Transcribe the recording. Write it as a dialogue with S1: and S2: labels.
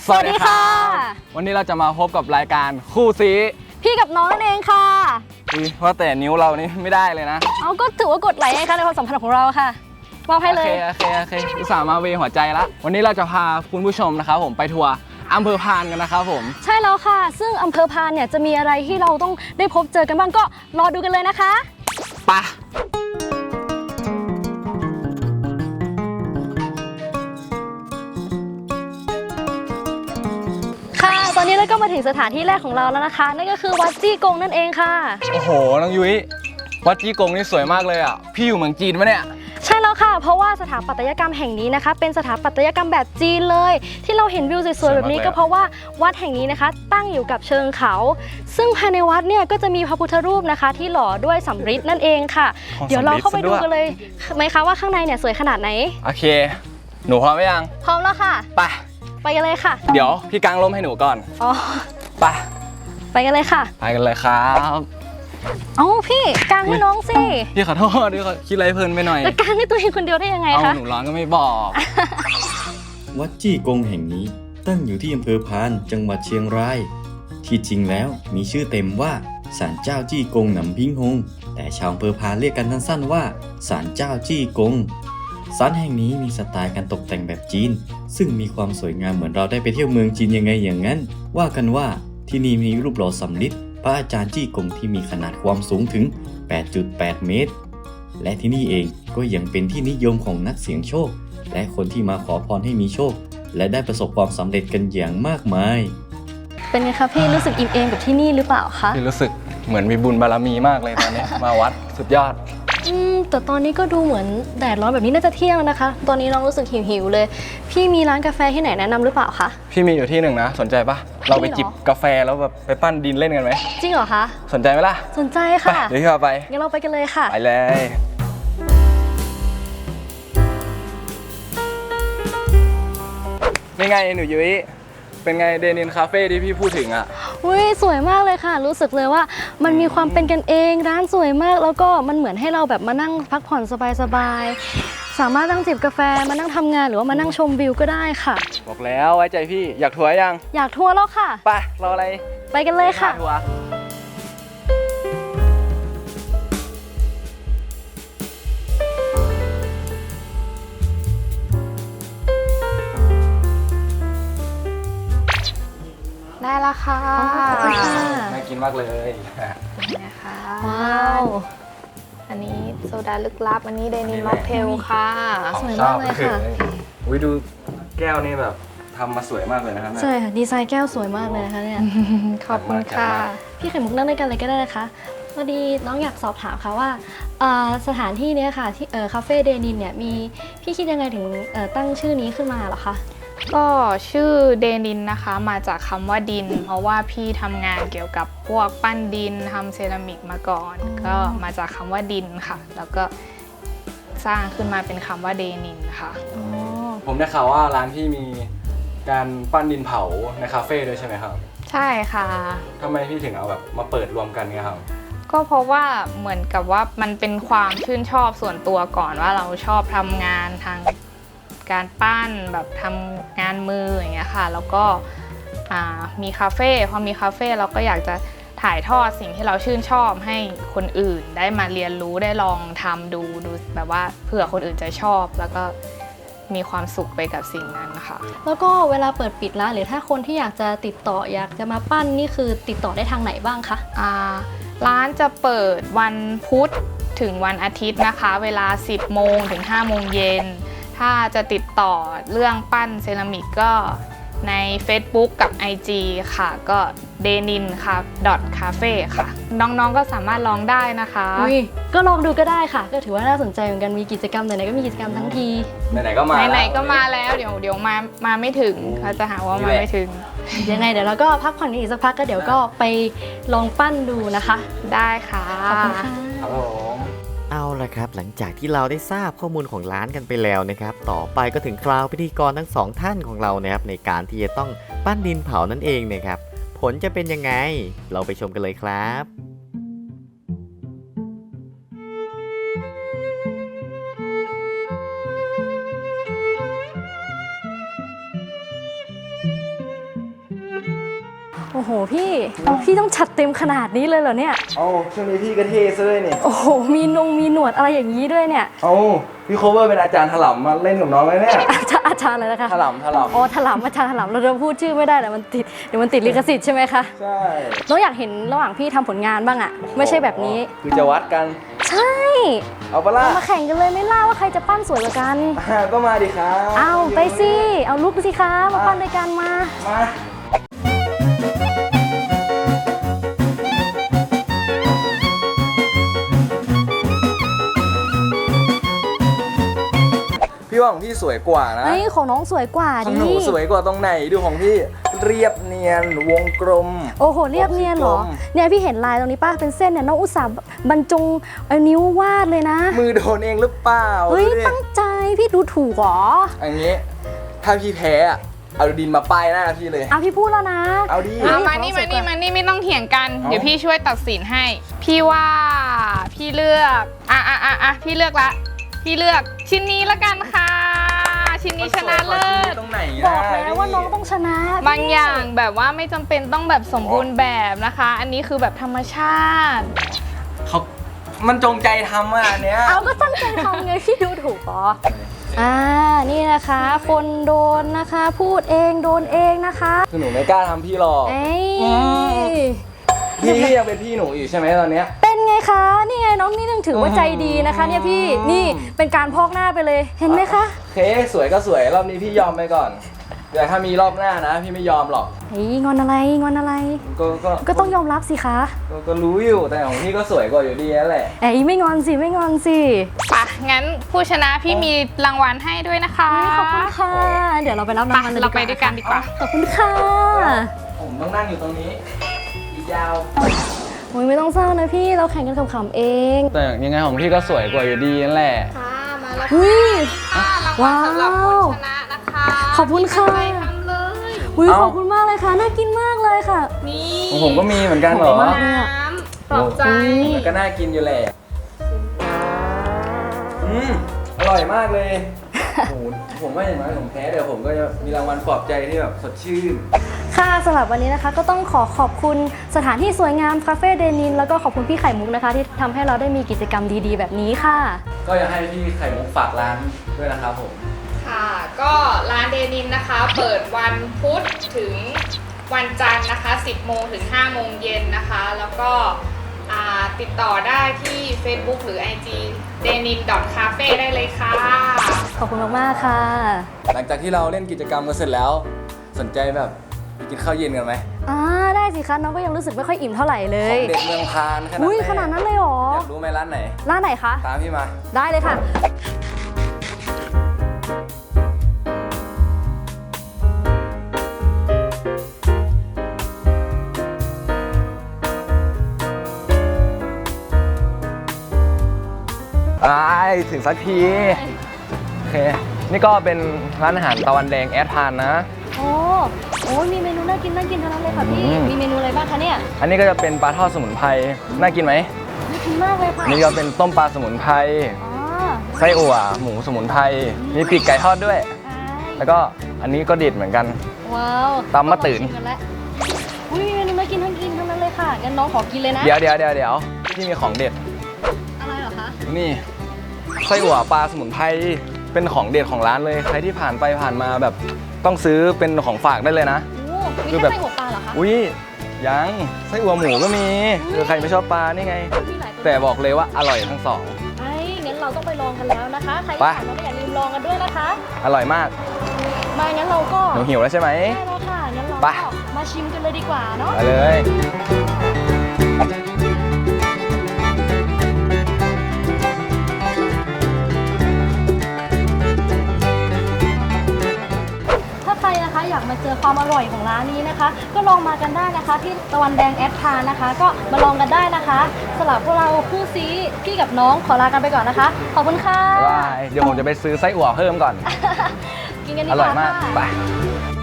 S1: สวัสดีค่ะวันนี้เราจะมาพบกับรายการคู่ซี
S2: พี่กับน้องนั่นเองค่ะ
S1: ว่าแต่นิ้วเรานี่ไม่ได้เลยนะ
S2: เอาก็ถือว่ากดไลค์ค่ะในความสัมพันธ์ของเราค่ะบอกให้เลย
S1: โอเคอุตส่าห์มาเวหัวใจละวันนี้เราจะพาคุณผู้ชมนะครับผมไปทัวร์อำเภอพานกันนะครับผม
S2: ใช่แล้วค่ะซึ่งอำเภอพานเนี่ยจะมีอะไรที่เราต้องได้พบเจอกันบ้างก็รอดูกันเลยนะคะ
S1: ไป
S2: ตอนนี้เราก็มาถึงสถานที่แรกของเราแล้วนะคะนั่นก็คือวัดจี้กงนั่นเองค่ะ
S1: โอ้โหน้องยุ้ยวัดจี้กงนี่สวยมากเลยอ่ะพี่อยู่เมืองจีนปะเนี่ย
S2: ใช่แล้วค่ะเพราะว่าสถาปัตยกรรมแห่งนี้นะคะเป็นสถาปัตยกรรมแบบจีนเลยที่เราเห็นวิวสวยๆแบบนี้ก็เพราะว่าวัดแห่งนี้นะคะตั้งอยู่กับเชิงเขาซึ่งภายในวัดเนี่ยก็จะมีพระพุทธรูปนะคะที่หล่อด้วยสำริดนั่นเองค่ะเดี๋ยวเราเข้าไปดูกันเลยไหมคะว่าข้างในเนี่ยสวยขนาดไหน
S1: โอเคหนูพร้อมไหมยัง
S2: พร้อมแล้วค่ะไปกันเลยค่ะ
S1: เดี๋ยวพี่กางร่มให้หนูก่อน
S2: อ๋อไปกันเลยค่ะ
S1: ไปกันเลยครับ
S2: เอ้าพี่กางให้น้องสิ
S1: พี่ขอโทษด้วยคิดอะไรเพลินไปหน่อย
S2: จะกางให้ตัวเองคนเดียวได้ยังไงคะ
S1: หนูร้อนก็ไม่บอก
S3: วัดจี้กงแห่งนี้ตั้งอยู่ที่อำเภอพานจังหวัดเชียงรายที่จริงแล้วมีชื่อเต็มว่าศาลเจ้าจี้กงหนำพิงฮงแต่ชาวอำเภอพานเรียกกันสั้นๆว่าศาลเจ้าจี้กงศาลแห่งนี้มีสไตล์การตกแต่งแบบจีนซึ่งมีความสวยงามเหมือนเราได้ไปเที่ยวเมืองจีนยังไงอย่างนั้นว่ากันว่าที่นี่มีรูปหล่อสำริดพระอาจารย์จี้กงที่มีขนาดความสูงถึง 8.8 เมตรและที่นี่เองก็ยังเป็นที่นิยมของนักเสี่ยงโชคและคนที่มาขอพรให้มีโชคและได้ประสบความสำเร็จกันอย่างมากมาย
S2: เป็นไงคะพี่รู้สึกอิ่มเอมกับที่นี่หรือเปล่าคะ
S1: พี่รู้สึกเหมือนมีบุญบารมีมากเลยตอนนี้ มาวัดสุดยอด
S2: แต่ตอนนี้ก็ดูเหมือนแดดร้อนแบบนี้น่าจะเที่ยงแล้วนะคะตอนนี้น้องรู้สึกหิวเลย พี่มีร้านกาแฟที่ไหนแนะนำหรือเปล่าคะ
S1: พี่มีอยู่ที่หนึ่งนะสนใจปะเราไปจิบกาแฟแล้วแบบไปปั้นดินเล่นกันไหม
S2: จริงเหรอคะ
S1: สนใจไหมล่ะ
S2: สนใจค่ะ
S1: เดี๋ยวพี่พาไป
S2: งั้นเราไปกันเลยค่ะ
S1: ไปเลยนี่ไงหนูยุ้ยเป็นไงเดนินคาเฟ่ที่พี่พูดถึงอ่ะ
S2: อุ้ยสวยมากเลยค่ะรู้สึกเลยว่ามันมีความเป็นกันเองร้านสวยมากแล้วก็มันเหมือนให้เราแบบมานั่งพักผ่อนสบายๆสามารถนั่งจิบกาแฟมานั่งทำงานหรือว่ามานั่งชมวิวก็ได้ค่ะ
S1: บอกแล้วไว้ใจพี่อยากทัวร์ยัง
S2: อยากทัวร์แล้วค่ะ
S1: ไปรออะไร
S2: ไปกันเลยค่ะ
S1: ทัวร์
S4: ได้ละค่ะ
S1: น่ากินมากเลย
S4: นะคะว้าวอันนี้โซดาลึกลับอันนี้เดนิมม็อกเทลค่ะ
S2: สวยมากเลยค่ะ
S1: อุ้ยดูแก้วนี่แบบทำมาสวยมากเลยนะครับ
S2: ใช่ค่ะดีไซน์แก้วสวยมากเลยนะคะเนี่ย
S4: ขอบคุณค่ะ
S2: พี่ไข่มุกนั่งด้วยกันเลยก็ได้นะคะพอดีน้องอยากสอบถามค่ะว่าสถานที่นี้ค่ะที่คาเฟ่เดนินเนี่ยมีพี่คิดยังไงถึงตั้งชื่อนี้ขึ้นมาเหรอคะ
S4: ก็ชื่อเดนินนะคะมาจากคำว่าดินเพราะว่าพี่ทำงานเกี่ยวกับพวกปั้นดินทำเซรามิกมาก่อนก็มาจากคำว่าดินค่ะแล้วก็สร้างขึ้นมาเป็นคำว่าเดนินค่ะ
S1: ผมได้ข่าวว่าร้านที่มีการปั้นดินเผาในคาเฟ่ด้วยใช่ไหมครับ
S4: ใช่ค่ะ
S1: ทำไมพี่ถึงเอาแบบมาเปิดรวมกันเนี่ยครับ
S4: ก็เพราะว่าเหมือนกับว่ามันเป็นความชื่นชอบส่วนตัวก่อนว่าเราชอบทำงานทางการปั้นแบบทำงานมืออย่างเงี้ยค่ะแล้วก็มีคาเฟ่พอมีคาเฟ่เราก็อยากจะถ่ายทอดสิ่งที่เราชื่นชอบให้คนอื่นได้มาเรียนรู้ได้ลองทำดูแบบว่าเผื่อคนอื่นจะชอบแล้วก็มีความสุขไปกับสิ่งนั้นค่ะ
S2: แล้วก็เวลาเปิดปิดร้านหรือถ้าคนที่อยากจะติดต่ออยากจะมาปั้นนี่คือติดต่อได้ทางไหนบ้างคะ
S4: ร้านจะเปิดวันพุธถึงวันอาทิตย์นะคะเวลา 10 โมงถึง 5 โมงเย็นถ้าจะติดต่อเรื่องปั้นเซรามิกก็ใน Facebook กับ IG ค่ะก็เดนินค่ะ .cafe ค่ะน้องๆก็สามารถลองได้นะคะ
S2: ก็ลองดูก็ได้ค่ะก็ถือว่าน่าสนใจเหมือนกันมีกิจกรรมไหนๆก็มีกิจกรรมทั้งที
S1: ไหนๆก็มา
S4: แล้วเดี๋ยวมาไม่ถึงเขาจะหาว่ามาไม่ถึง
S2: ยังไงเดี๋ยวเราก็พักผ่อนอีกสักพักก็เดี๋ยวก็ไปลองปั้นดูนะคะ
S4: ได้ค่ะ
S2: ขอบคุณค่ะ
S1: ครับผม
S5: เอาละครับหลังจากที่เราได้ทราบข้อมูลของร้านกันไปแล้วนะครับต่อไปก็ถึงคราวพิธีกรทั้งสองท่านของเรานะครับในการที่จะต้องปั้นดินเผานั่นเองนะครับผลจะเป็นยังไงเราไปชมกันเลยครับ
S2: โอ้โหพี่ต้องจัดเต็มขนาดนี้เลยเหรอเนี่ย
S1: เอาช่วงนี้พี่ก็เท่ซะด้วยนี่
S2: โอ้โหมีหนวดอะไรอย่างนี้ด้วยเนี่ย
S1: เอาพี่โคเวอร์เป็นอาจารย์ถล่มมาเล่นกับน้องเลยเนี่ย
S2: อาจารย์อะไรนะคะ
S1: ถล่ม
S2: อ๋อถลำอาจารย์ถลำเราจะพูดชื่อไม่ได้แต่มันติดเดี๋ยวมันติดลิขสิทธิ์ใช่ไหมคะ
S1: ใช่
S2: น้องอยากเห็นระหว่างพี่ทำผลงานบ้างอะไม่ใช่แบบนี้
S1: คือจะวัดกัน
S2: ใช่
S1: เอาปะล่ะ
S2: มาแข่งกันเลยไม่ล่าว่าใครจะปั้นสวยกว่ากัน
S1: ก็มาดิครับ
S2: เอาไปสิเอาลุกสิคะมาปั้นด้วยกันมา
S1: มาพี่ว่าของพี่สวยกว่านะ
S2: เฮ้ยของน้องสวยกว่า
S1: ขอ
S2: ดิ
S1: งหนูสวยกว่าตรงไหนดูของพี่เรียบเนียนวงกลม
S2: โอ้โหเรียบเนียนเหรอ
S1: วงกลม
S2: เนี่ยพี่เห็นลายตรงนี้ป้าเป็นเส้นเนี่ยน้องอุตส่าห์บรรจงเอานิ้ววาดเลยนะ
S1: มือโดนเองหรือเปล่า
S2: เฮ้ย
S1: ดูดิ
S2: ตั้งใจพี่ดูถูกเหรอ
S1: อย่างนี้ ถ้าพี่แพ้อะเอาดินมาป้ายหน้าพี่เลย
S2: เอาพี่พูดแล้วนะ
S1: เอาดิ
S4: เอามานี่ไม่ต้องเถียงกัน
S1: เอา
S4: เดี๋ยวพี่ช่วยตัดสินให้ พี่ว่าพี่เลือกพี่เลือกละพี่เลือกชิ้นนี้ละกันค่ะ ชิ้นนี้ชนะเลิศ
S1: ตรงไหน
S2: บอกแล้วว่าน้องต้องชนะ
S4: บางอย่างแบบว่าไม่จำเป็นต้องแบบสมบูรณ์แบบนะคะ อันนี้คือแบบธรรมชาติ
S1: เขามันจงใจทำอ่ะอันเนี้ย
S2: เอาก็ตั้งใจทำไงพี่ดูถูกเหรอนี่นะคะ คนโดนนะคะพูดเองโดนเองนะคะ
S1: คือหนูไม่กล้าทำพี่หรอก
S2: เอ้ย
S1: พี่ยังเป็นพี่หนูอยู่ใช่ไหมตอนเนี้ย
S2: เป็นไงคะนี่ไงน้องนี่ยังถือว่าใจดีนะคะเนี่ยพี่นี่เป็นการพอกหน้าไปเลยเห็นไหมคะ
S1: โอเคสวยก็สวยรอบนี้พี่ยอมไปก่อนแต่ถ้ามีรอบหน้านะ พี่ไม่ยอมหรอก
S2: เฮ้ยงอนอะไรก็ต้องยอมรับสิคะ
S1: ก็รู้อยู่แต่ของพี่ก็สวยกว่าอยู่ดีนั่นแหละ
S2: เอ้ยไม่งอนสิ
S4: ปะงั้นผู้ชนะพี่มีรางวัลให้ด้วยนะคะ
S2: เฮ้ยขอบคุณค่ะเดี๋ยวเราไปรับรางวัลเลย
S4: เราไปด้วยกันดีกว่า
S2: ขอบคุณค่ะ
S1: ผมต้องนั่งอยู่ตรงนี้อีกยาว
S2: โอ้ยไม่ต้องเศร้านะพี่เราแข่งกันขำๆเอง
S1: แต่ยังไงของพี่ก็สวยกว่าอยู่ดีนั่นแหละ
S4: ค่ะมาแล้ว
S2: อุ้ย
S4: ค่ะรางวัลสำหรับผู้ชนะนะคะ
S2: ขอบคุณค่ะ
S4: ไปทำเลย
S2: อุ้ยขอบคุณมากเลยค่ะน่ากินมากเลยค่ะ
S4: นี่
S1: ของผมก็มีเหมือนกันเหรอ
S2: ขอบคุณมากเลยอะ
S4: น้ำปลอบใจ
S1: มันก็น่ากินอยู่แหละอร่อยมากเลยโอ้โหผมว่าอย่างน้อยผมแพ้เดี๋ยวผมก็จะมีรางวัลปลอบใจที่แบบสดชื่น
S2: ค่ะสำหรับวันนี้นะคะก็ต้องขอบคุณสถานที่สวยงามคาเฟ่เดนินแล้วก็ขอบคุณพี่ไข่มุกนะคะ ที่ทำให้เราได้มีกิจกรรมดีๆแบบนี้ค่ะ
S1: ก็อยากให้พี่ไข่มุกฝากร้านด้วยนะครับผม
S4: ค่ะ ก็ร้านเดนินนะคะ เปิดวันพุธถึงวันจันทร์นะคะ 10 โมงถึง 5 โมงเย็นนะคะ แล้วก็ติดต่อได้ที่ Facebook หรือ IG denin.cafe ได้เลยค่ะ
S2: ขอบคุณมากๆค่ะ
S1: หลังจากที่เราเล่นกิจกรรมกันเสร็จแล้ว สนใจแบบไปกินข้าวเย็นกันไหม
S2: ได้สิคะน้องก็ยังรู้สึกไม่ค่อยอิ่มเท่าไหร่เล
S1: ขอย งเด็ดเมืองพานขนาด
S2: อุ้ยขนาดนั้นเลยเหรอ
S1: อยากรู้ไหมร้านไหน
S2: ร้านไหนคะ
S1: ตามพี่มา
S2: ได้เลยค่ะ
S1: ถึงสักที โอเค นี่ก็เป็นร้านอาหารตะวันแดงแอดพานนะ
S2: โอ้มีเมนูน่ากินทั้งนั้นเลยค่ะพี่ มีเมนูอะไรบ้างคะเนี่ย
S1: อันนี้ก็จะเป็นปลาทอดสมุนไพร น่ากินไหม
S2: น่ากินมากเลยค่ะ
S1: อันนี้ก็เป็นต้มปลาสมุนไพร
S2: อ๋อ
S1: ไส้อั่ว หมูสมุนไพร มีปีกไก่ทอดด้วย แล้วก็อันนี้ก็เด็ดเหมือนกัน
S2: ว้าว
S1: ตำมะตื่น
S2: ต้องลองชิมกัแล้วอุ้ยมีเมนูน่ากินทั้งนั้นเลยค่ะงั้นน้องขอกินเลยนะ
S1: เดี๋ยวพี่มีของเด็ด
S2: อะไรเหรอคะ
S1: นี่ไส้อั่วปลาสมุนไพร เป็นของเด็ดของร้านเลย ใครที่ผ่านไปผ่านมาแบบต้องซื้อเป็นของฝากได้เลยนะ
S2: โอ้มี
S1: คือ
S2: แค่
S1: แบบ
S2: ไส้หัวปลาเหรอคะ
S1: อุ้ยยังไส้อั่วหมูก็มีคือใครไม่ชอบปลานี่ไง
S2: มีหลายตัว
S1: แต่บอกเลยว่าอร่อยทั้งสอง
S2: งั้นเราต้องไปลองกันแล้วนะคะ ใคร
S1: ไป
S2: ที่ผ่านมาก็อย่าลืมลองกันด้วยนะคะ
S1: อร่อยมาก
S2: มางั้นเราก็
S1: หนูหิวแล้วใช่ไหม
S2: ได้แล้วค่ะ งั้นเรา
S1: ไป
S2: ก็มาชิมกันเลยดีกว่าเนาะ
S1: ไปเลย
S2: ถ้าใครนะคะอยากมาเจอความอร่อยของร้านนี้นะคะ ก็ลองมากันได้นะคะ ที่ตะวันแดงแอดพานนะคะ ก็มาลองกันได้นะคะสำหรับพวกเราคู่ซีพี่กับน้องขอลากันไปก่อนนะคะ ขอบคุณค่ะ
S1: บาย เดี๋ยวผมจะไปซื้อไส้อั่วเพิ่มก่อน
S2: กินกันดี
S1: อก ร่อ
S2: ว่าย
S1: มาก
S2: ค่ะ
S1: ไป